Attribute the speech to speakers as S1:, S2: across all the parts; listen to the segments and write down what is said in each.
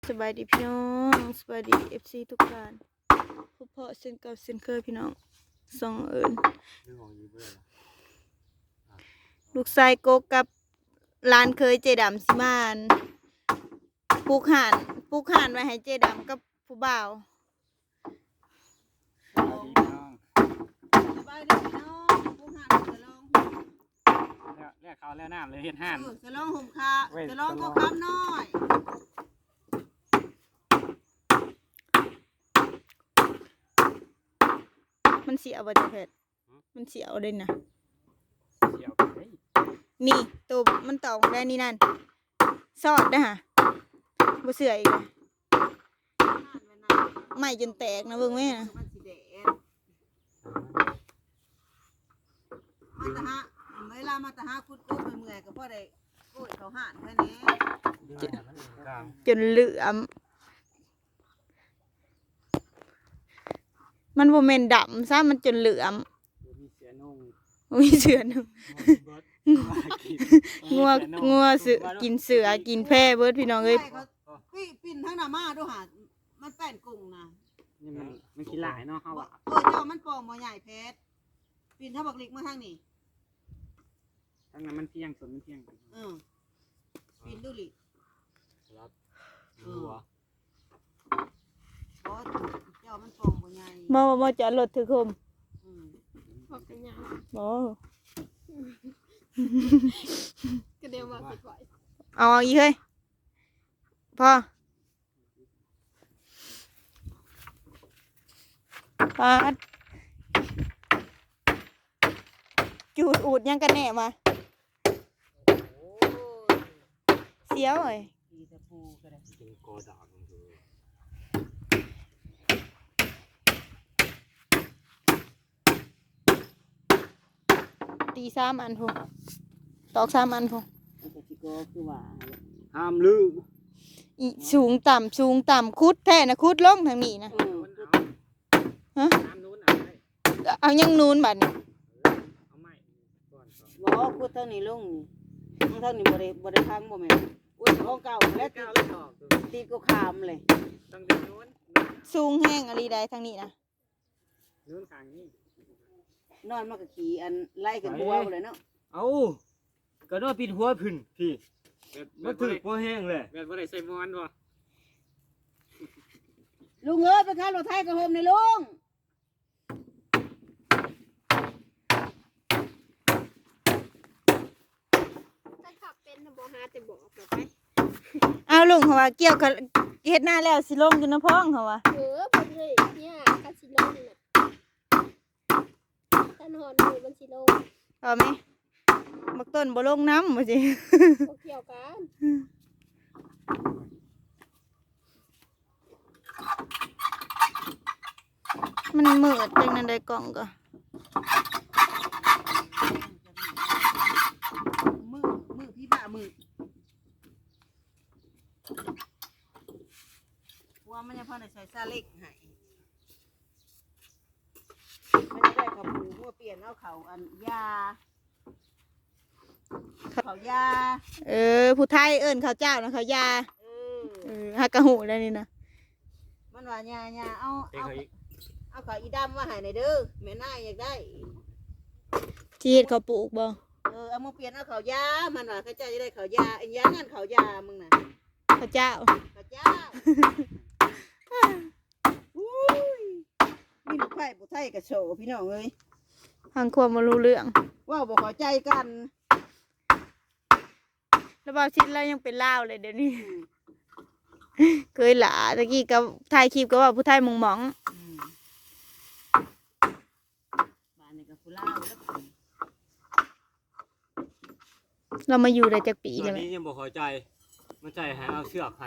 S1: สบายดีพี่น้องสบายดีFC ทุกท่านพบเพาะเส้นเก่าเส้นเคยพี่น้องส่องเอิญลูกชายโกกับร้านเคยเจดำสิมานปลูกห่านไว้ให้เจดำกับผู้บ่าว
S2: สบายดีพี่น้องผู้ห่านจะลอง
S3: เรียกเขาแล้วน้ำเลยเห็นห่าน
S2: จะลองห่มคาจะลองก็คำน้อย
S1: มันเสียบ่จ้ะเพชรมันเสียเอาได้นะ
S3: เสียวไป
S1: นี่ตัวมันตอกได้นี่นั่นซอดนะฮะบ่เสืออีกเลยไหม้จนแตกนะเบิ่งแม่นะ
S2: มันสีแดงมาตะฮะเวลามาตะฮะคุดโก้เมื่อยก็พอได้โก้เขาห่านแค่นี้
S1: จนเหลือมมันบ่แม่นดำซะมันจนเหลือม
S3: มีเสือนุ่ง
S1: มีเสือหนึ่งงัวเสือกินเสือกินแพะเบิดพี่น้องเอ้ย
S2: ปิ้นทั้งหน้ามาดูหามันแป้นกุ้งนะ
S3: นี่มันขี้หลายเนาะเขาว่า
S2: เจ้ามันปองบ่ใหญ่เพชรปิ้นถ้าบักลิกมาทางนี้
S3: ทั้งนั้นมันเพียงส่วนมันเพียง
S2: ปิ้นดูลิ
S3: รับหัว
S2: เพราะเจ้ามันปองบ่ใหญ่
S1: มาจอดรถถือคมบ่
S4: ก็เดี๋ยวมาปิดไว้
S1: เอาอีกเฮ้ยพอปาดจูดอูดยังกันแน่มาเสียวเอ้ย
S2: ตีตะปูก็ได้
S3: เป็นกอดอกมันคือ
S1: ตี3 อันพงตอก3 อันพง
S2: มันก็สิก็คือว่า
S3: ห้ามลืม
S1: อีสูงต่ำคุดแท้นะคุดลงทางนี้นะฮะ
S3: น้ำนู้นเอาไว้
S1: เอายังนูนบัดนี้
S3: เอาไม้ก่อน
S2: บ่พูดเท่านี้ลงนี่เท่านี้บ่ได้พังบ่แม่นอุ้ยของเก่าแล้ว
S3: ก้าวแล้วออก
S2: ตีก็ขามเลย
S3: ต้องดึงนู้น
S1: สูงแห้งอะไรใดทางนี้นะ
S3: นู้นข้างนี้
S2: นอนมาก็ขี่อันไล่กันบัวเลยเนาะ
S5: เอาก็นอนปิดหัวพึ่นพี่มันถึกพอแห้งเลย
S3: แบบว่าได้ใส่มอนบ่
S2: ลุงเอ้ยไปขับรถไถกับโฮมในลุง
S4: ถ้าขับเป็นนะบ่หาแต่บอกแบบไป
S1: เอาลุงเขาว่าเกี่ยวกับเฮ็ดหน้าแล้วสิลงอยู่น้ำพองเขาว่า
S4: เพิ่นเลยเนี่ยคาสิโลนี่น่ะถ้านอนมือมันสิโล
S1: เอาไหมบักต้นบ่ลงน้ำบ่สิ
S4: บ่เกี่ยวกัน
S1: มันมืดจังนั้นได้กล่องก็
S2: มือพี่บ้ามือว่ามันยังพอได้ใส่ซาเล็กให้มันจะได้กับหมูเมื่อเปลี่ยนเอาเขาอันยาเขายา
S1: ผู้ไทยเอิ้นข้าวเจ้านะข้าวยา
S2: เออ
S1: ฮักกะหูได้นี่นะ
S2: มันว่าญาเอา
S5: เองเขาอีก
S2: เอาเขาอีดำมาให้ในอยเด้อแม่นายอยากได้
S1: ที่เฮ็ดเขาวปลูกบ่
S2: เอามาเปลี่ยนเอาเขายามันว่าเขาเจ้าจะได้เขายาไอ้ยานั่นเขายามึงน่ะ
S1: ข้าวเจ้า
S2: เขาเจ้าอุ้ยมีลูกไผ่ผู้ไทยกับโฉพี่น้องเอ้ย
S1: ทางความบ่รู้เรื่อง
S2: ว่าบ่เข้าใจกัน
S1: แล้วบ่ชิดแล้วยังเป็นลาวเลยเดี๋ยวนี้ เคยหลาตะกี้ก็ถ่ายคลิปก็ว่าผู้ไทยมงหมอง
S2: บ้านนี้ก็ผู้ลาวแล้ว
S1: เรามาอยู่ได้จักปี
S5: ต
S1: เล
S5: อน
S1: ยไหม
S5: นี้ยังบอกเข้าใจมันใจให้เอาเชือกให้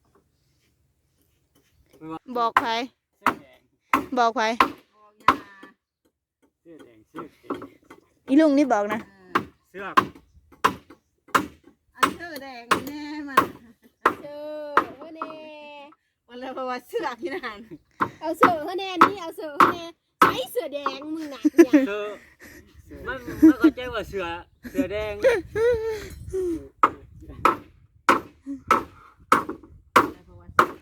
S1: บอกไผ
S3: เสื้อแดง
S1: บอกไผ
S2: บอกยา
S3: เสื้อแดงเสื้อเขียว
S1: อีลุงนี่บอกนะ
S5: เชือก
S2: อันเสื้อแดงแน่มัน
S4: เจอเฮ้อแน่
S2: มันเลยเพราะว่าเสื้อที่นั่น
S4: เอาเสือเฮ้อแน่นี่เอาเสือเฮ้อแน่ใช้เสือแดงมึงน่ะเนี่ย
S5: เสือมันเข้าใจว่าเสือแดง
S2: เพราะว่าเสื้อ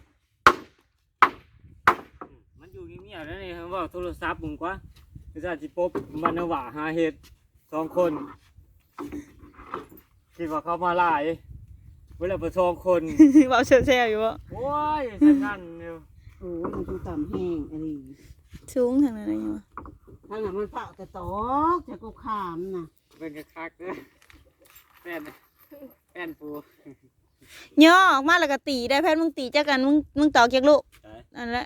S5: อยู่เงียบๆแล้วนี่เขาบอกโทรศัพท์มึงกว่าคือจะสิปบมันว่าหาเห็ด2 คนคิดว่าเขามาหลายเวลาไป2 คน
S1: เว้าแซ่บๆอยู่บ่
S5: โอ้ยสันนั่นเนี่ย
S2: โอ้ยมันชูต่ำแห้งอะไร
S1: สูงทางนั้นอะไรอยู่วะ
S2: ถ้างั้นมันเปล่าแต่ตอกจะกูขามน่ะ
S3: เป็นกระคักเด้อแป้นแป้นปู
S1: ย่อออกมาแล้วก็ตีได้แพทย์มึงตีจักกันมึงตอกจักลูกนั่นแหละ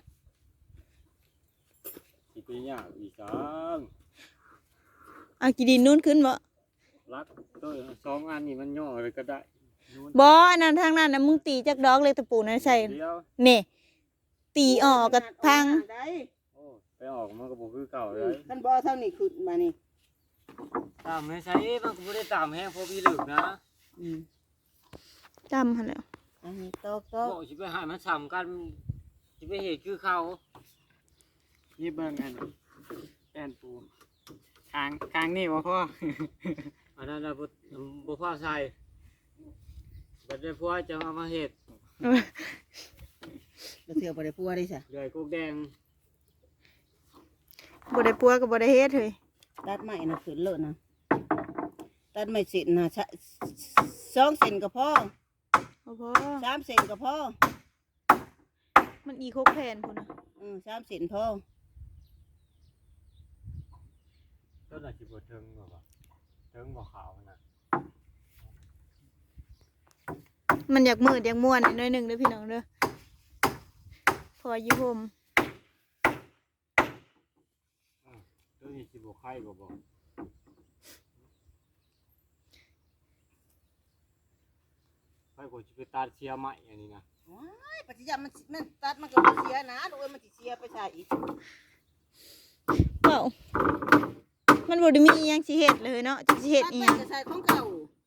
S5: สิไปยากอีกจัง
S1: เอากี่ดินนู้นขึ้นบ่
S5: รักตัว2 อันนี่มันย่อเลยก็ได้นู่น
S1: บ่อันนั้นทางนั้นน่ะมึงตีจักดอกเลยตะปูนั่นใส่
S5: เดียว
S1: นี่ตีออกกับพัง
S2: ได้
S5: โอ้ไปออกมันก็บ่คือเก่าเลย
S2: ท่านบ่เท่านี้ขึ้นมานี่
S5: ตามให้ใช้มันก็บ่ได้ตามแห้งพอพี่ลึกนะ
S1: จำหั่นแหล้ว
S2: อันนี้ตอก
S5: บอกสิไปให้มันซ้ำกันสิไปเฮ็ดคือเขา
S3: นี่เบิ่งอันนี้แป้นปูคางนี่บ่พ่อ
S5: อันนั้นน่ะบ่พอใส่บัดนี้พอจะเอามาเฮ็ด
S2: แล้วเถื่อบ่ได้พัวได้ซะ
S5: เดือยกุกแดง
S1: บ่ได้ปัวก็บ่ได้เฮ็ดเฮ้ย
S2: ตัดไม้น่ะขึ้นเลิศนะตัดไม้เสร็จน่ะ2 เซนก็พอ
S1: บ่พอ
S2: 3 เซนก็พอ
S1: มันอีก6แผ่นพุ่นน่ะ
S2: 3 เซนพอ
S5: ต้นน่ะสิบ่ถึงบ่ถึงบ่ขาวน่ะ
S1: มันอยากมืดอยากม่วนหน่อยหนึงเด้อพี่น้องเด้อพออยู่ห่ม
S5: ตัวนี้สิบ่ไข่บ่ไข่ก็สิไปตัดเสียไม้อันนี้นะ
S2: ว้ายปัจจัยมันตัดมันก็บ่เสียนะดูเอ้ยมันสิเสียไปใส่อีก
S1: เปล่ามันบ่ได้มีอิหยังสิเฮ็ดเลยเนาะจักสิเฮ็ด
S2: ตัด
S1: อีห
S2: ไป
S1: ยัง
S2: จะใส่ของเก่า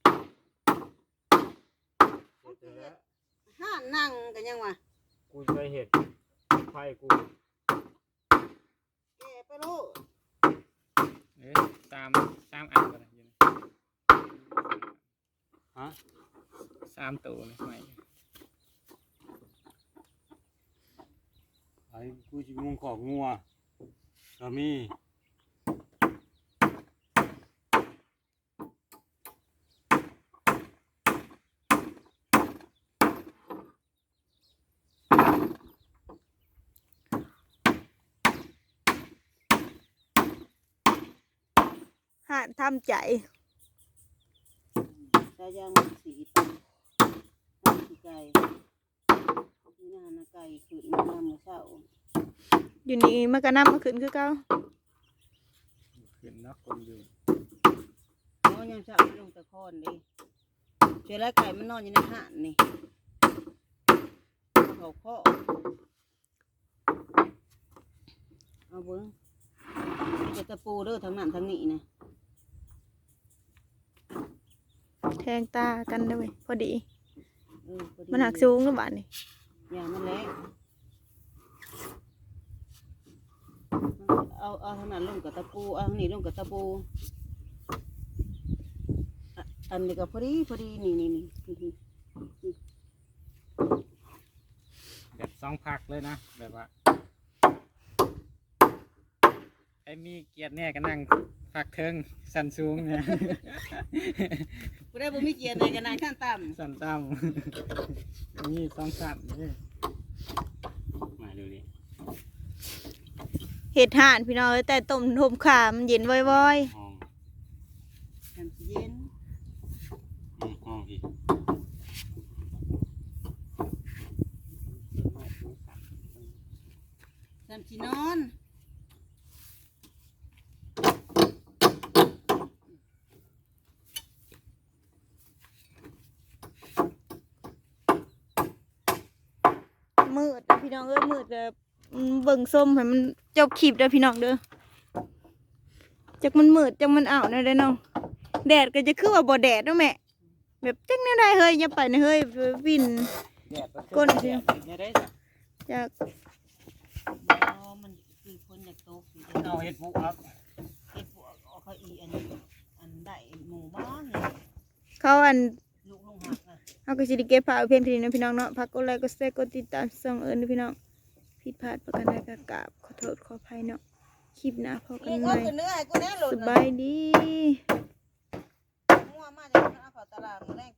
S5: เฮ็ดแล้ว
S2: ห้านั่งกันยังวะ
S5: กูไปเฮ็ดไข่กู
S2: แกไปลูก
S3: สามอันก็ได้อยู่
S5: ฮะ
S3: 3ตัวเลยไม่
S5: ไอ้กูสิมุงขอกงัวก็มี
S1: หาทำใจ
S2: ตายางมันสีมันสีไก่ที่นั่นนะไก่ขึ้นมาเมื่อเช้า
S1: อยู่นี่มันก็นำมาขึ้นคือเก่า
S3: ขึ้นเนาะคนอยู่
S2: เพราะยังเช้าลงตะคอนดิเชื้อไรไก่มันนอนอยู่ในห่านนี่เขาข้อเอาเบิ้งจะตะปูเด้อทางนั้นทางนี้นะ
S1: แทงตากันได้อเว้ยพอดี
S2: พอดี
S1: มันหักสูงแล้วบาดนี่
S2: อย่ามันแรงเอาทางนั้นลงกับตะปูเอาทางนี้ลงกับตะปูอันนี้ก็พอดีนี่
S3: แบบ2พักเลยนะแบบว่าไอ้มีเกียรติแน่ก็นั่งพักเทิงสันสูงเนี่ย
S2: กูได้บ่มีเกียรติในกันนานขั้นต่
S3: สันต่ำมี2สันนี่
S5: มาดูดิ
S1: เห็ดห่านพี่น้องเอ้ยแต่ต้มทมขามนเย็นว้อย
S5: ห้อง
S2: ำน้ำสิเย็น
S5: ห้องพี่
S2: น้ำสินอน
S1: ๆมืดพี่น้องเอ้ยมืดแบบเบิ่งส้มให้มันจบคลิปเด้อพี่น้องเด้อจักมันมืดจักมันอ้าวแน่เด้อน้องแดดก็จะคือว่าบ่แดดเนาะแม่แบบจักแนวใดเฮ้ยอย่าไปนะเฮ้ยวิน ก้นสิ
S3: เนี่ยได้
S1: จาก
S2: มันคือคนอยากโตคือ
S5: เอาเฮ็ดปุ๊ครับ
S2: เก็บพวกเอาเขาอีอันได้หมู่บ้านเลย
S1: เขาอัน
S2: ลูกลงหักอ่ะ
S1: เอาก็สิได้เก็บผ้าเอาเพียงเท่านี้นะพี่น้องเนาะฝากกดไลค์กดแชร์กดติดตามส่องเอิ้นด้วยพี่น้องผิดพลาดประการใดก็กราบขอโทษขออภัยเนาะคลิปหน้าพอกัน
S2: นี่
S1: ให
S2: ก็
S1: ม่
S2: คือเนื้อให้กูแน่หลุด
S1: สบายดี